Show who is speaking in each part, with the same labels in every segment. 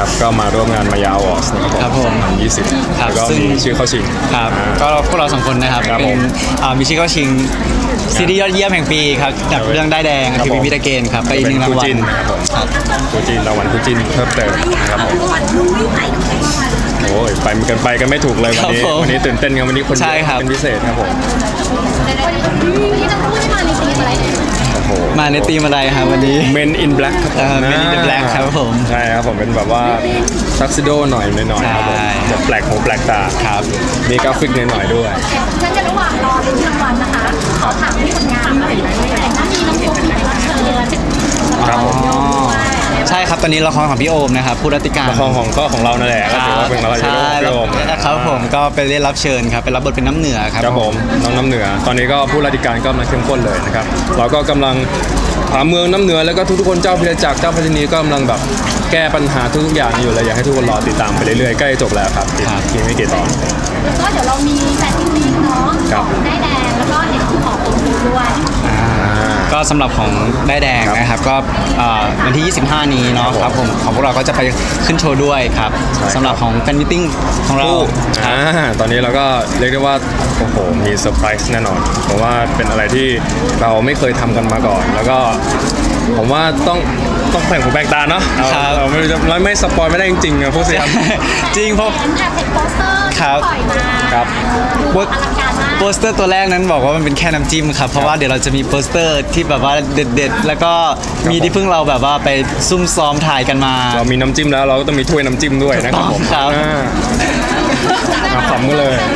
Speaker 1: นะครับก็มาร่วมงานมายาอวอร์ดนะครับผม2020แล้วก็มีชื่อเข้าชิง
Speaker 2: ครับก็พวกเรา2คนนะครับเป็นมีชื่อเข้าชิงซีรีส์ยอดเยี่ยมแห่งปีครับจากเรื่องได้แดงคือพิพิธเกณฑ์ครับไปอีก1รางวัล
Speaker 1: ครับคู่จินรางวัลคู่จินเพิ่มเติมนะครับผมโอ้ยไปกันไม่ถูกเลยวันนี้ตื่นเต้นกันวันนี้คนเยอะเป็นพิเศษครับผม
Speaker 3: ที่จะพูดมาในทีมอะไร
Speaker 2: มาในทีมอะไรครับวันนี้
Speaker 1: Men in Black ครับ
Speaker 2: Men in Black ครับผม
Speaker 1: ใช่ครับผมเป็นแบบว่าทักซิโดหน่อยครับผมจะแปลกหูแปลกตา
Speaker 2: ครับ
Speaker 1: มีกราฟิกหน่อยด้วย
Speaker 3: ฉันจะระหว่างรอลุ้นรางวัลนะคะขอถามที่ผลงานหน่อยแต่ถ้ามีน้องโฟมมีรับเชิญ
Speaker 1: ครับผม
Speaker 2: ใช่ครับตอนนี้ละครของพี่โอมนะครับผู้รัติการ
Speaker 1: ละครของเรานั่นแหละก็ถือว่าเป็นละครของพี่โอม
Speaker 2: ครับผมก็ไปเล่นรับเชิญครับไปรับบทเป็นน้ำเหนือครับ
Speaker 1: ครับผมน้องน้ำเหนือตอนนี้ก็ผู้รัติการก็มาเข้มข้นเลยนะครับเราก็กำลังหาเมืองน้ำเหนือแล้วก็ทุกคนเจ้าพิรจักรเจ้าพัฒนีก็กำลังแบบแก้ปัญหาทุกอย่างอยู่เลยอยากให้ทุกคนรอติดตามไปเรื่อยๆใกล้จบแล้วครับอีกไม่กี่ตอน
Speaker 3: แล้วก็เดี๋ยวเรามีแฟนมิตติ้งเนาะได้แดงแล้วก็เห็นขององค์ด้วย
Speaker 2: ก็สำหรับของได้แดงนะครับก็วันที่25นี้เนาะครับผมของพวกเราก็จะไปขึ้นโชว์ด้วยครับสำหรับของแฟนมิทติ้งของเรา
Speaker 1: ตอนนี้เราก็เรียกได้ว่าโอ้โหมีเซอร์ไพรส์แน่นอนเพราะว่าเป็นอะไรที่เราไม่เคยทำกันมาก่อนแล้วก็ผมว่าต้องแข่งหูแบ่งตาเนาะเราไม่สปอยไม่ได้จริงๆนะพวกเสีย
Speaker 2: จริงเพราะ
Speaker 3: โปสเตอร์ปล่อยมา
Speaker 1: ครับ
Speaker 2: โปสเตอร์ตัวแรกนั้นบอกว่ามันเป็นแค่น้ำจิ้มครับเพราะว่าเดี๋ยวเราจะมีโปสเตอร์ที่แบบว่าเด็ดๆแล้วก็มีที่เพิ่งเราแบบว่าไปซุ่มซ้อมถ่ายกันมา
Speaker 1: เรามีน้ำจิ้มแล้วเราก็ต้องมีถ้วยน้ำจิ้มด้วยนะครับผม
Speaker 2: ครับ
Speaker 1: ขำกันเลย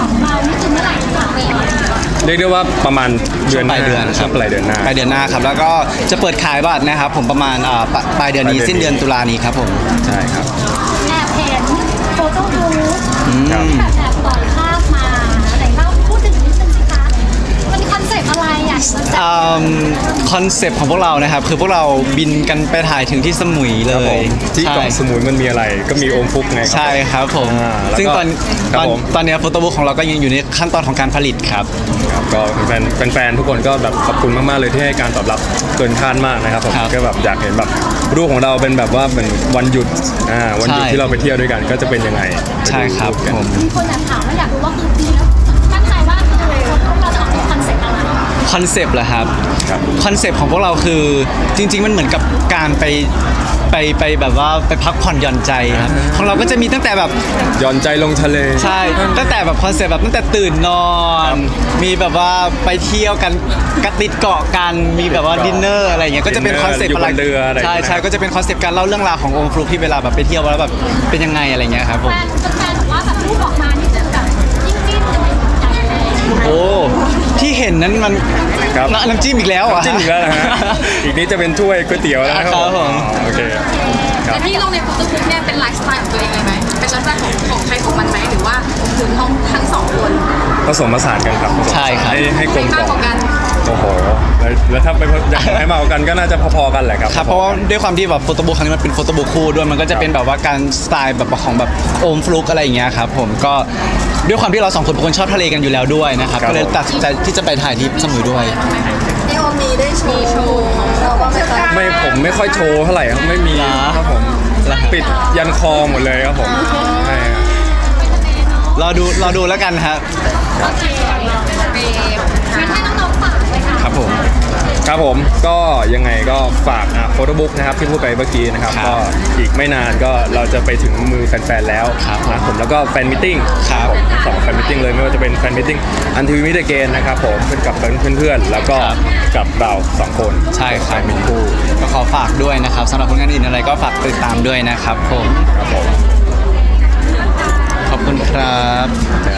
Speaker 1: เรียกได้ว่าประมาณเดือน
Speaker 2: ปลายเดือนครับ
Speaker 1: ปลายเดือนหน้า
Speaker 2: ครับแล้วก็จะเปิดขายบัตรนะครับผมประมาณปลายเดือนนี้สิ้นเดือนตุลานี้ครับผม
Speaker 1: ใช่ครับ
Speaker 3: แอบเห็นโฟโต้บูธแอบต่อยภาพมาไหนเล่าพูดถึงนิดนึงสิคะมันคอนเซ็ปต์อะไรอ่ะ
Speaker 2: คอนเซ็ปต์ของพวกเรานะครับคือพวกเราบินกันไปถ่ายถึงที่สมุยเลย
Speaker 1: ที่เกาะสมุยมันมีอะไรก็มีโอมฟุกไง
Speaker 2: ใช่ครับผมซึ่งตอนนี้โฟโต้บุ๊กของเราก็ยังอยู่ในขั้นตอนของการผลิตครับ
Speaker 1: ก็แฟนทุกคนก็แบบขอบคุณมากๆเลยที่ให้การตอบรับเกินคาดมากนะครับผมก็แบบอยากเห็นแบบรูปของเราเป็นแบบว่าเป็นวันหยุดที่เราไปเที่ยวด้วยกันก็จะเป็นยังไง
Speaker 2: ใช่ครับผม
Speaker 3: มีคนถามว่าอยากรู้ว่าคือปีแล้วตั้งใจว่าเราจะออกเป็นคอนเซ็ปต์อะไร
Speaker 2: คอนเซ็ปต์เหรอครับคอนเซ็ปต์ของพวกเราคือจริงๆมันเหมือนกับการไปแบบว่าไปพักผ่อนหย่อนใจครับของเราก็จะมีตั้งแต่แบบ
Speaker 1: หย่อนใจลงทะเล
Speaker 2: ใช่ตั้งแต่แบบคอนเซ็ปต์แบบตั้งแต่ตื่นนอนมีแบบว่าไปเที่ยวกันกระติดเกาะกันมีแบบว่าดินเนอร์อะไรอย่างเงี้ยก็จะเป็นคอนเซ็ปต์อะไรใช่ก็จะเป็นคอนเซ็ปต์การเล่าเรื่องราวขององค์ฟลุกที่เวลาแบบไปเที่ยวแล้วแบบเป็นยังไงอะไรเงี้ยครับผม
Speaker 3: แฟนบอกว่าแบบรูปออกมานี่จะแบบจิ้มอะไร
Speaker 2: โอ้ที่เห็นนั้นมันน้ำจิ้มอีกแล้ว
Speaker 1: น้ำจิ้มอีกแล้วนะฮะอีกนี้จะเป็นถ้วยก๋วยเตี๋ยวแล้วครับผมโอเค
Speaker 3: แต่ที่ลงในโฟโต้บุ๊กเนี่ยเป็นไลฟ์สไตล์ของตัวเองเลยไหมเป็นไลฟ์สไตล์ของใครของมันไหมหรือว่าถึงทั้งสองคน
Speaker 1: ผสมผสานกันครับ
Speaker 2: ใช่ครับ
Speaker 1: ให้กลมกล่อมโอ้โหแล้วถ้าไปอยากให้มากันก็น่าจะพอๆกันแหละครับ
Speaker 2: เพราะว่าด้วยความที่แบบโฟโต้บุ๊กครั้งนี้มันเป็นโฟโต้บุ๊กคู่ด้วยมันก็จะเป็นแบบว่าการสไตล์แบบของแบบโอมฟลุกอะไรอย่างเงี้ยครับผมก็ด้วยความที่เราสองคนเป็นคนชอบทะเลกันอยู่แล้วด้วยนะครับก็เลยตัดสินใจที่จะไปถ่ายที่สมุยด้วย
Speaker 3: ที่โอมมีได้โชว์ของเราบ้างไหมคะ
Speaker 1: ไม่ผมไม่ค่อยโชว์เท่าไหร่ครับไม่มีครับผมปิดยันคอหมดเลยครับผม
Speaker 2: รอดูแล้วกันครับ
Speaker 3: โอเคงั้นให้น้องๆฝากเลยค่ะ
Speaker 1: ครับผมก็ยังไงก็ฝากโฟโต้บุ๊กนะครับที่พูดไปเมื่อกี้นะครับก็อีกไม่นานก็เราจะไปถึงมือแฟนๆแล้วผมแล้วก็แฟนมิทติ้งสองแฟนมิทติ้งเลยไม่ว่าจะเป็นแฟนมิทติ้งอันทีวีมิเตเกนนะครับผมเป็นกับเพื่อนๆแล้วก็กับเรา2คน
Speaker 2: ใช่ครับเป็นคู่ก็ขอฝากด้วยนะครับสำหรับผลงานอื่นอะไรก็ฝากติดตามด้วยนะครับผมขอบคุณครับ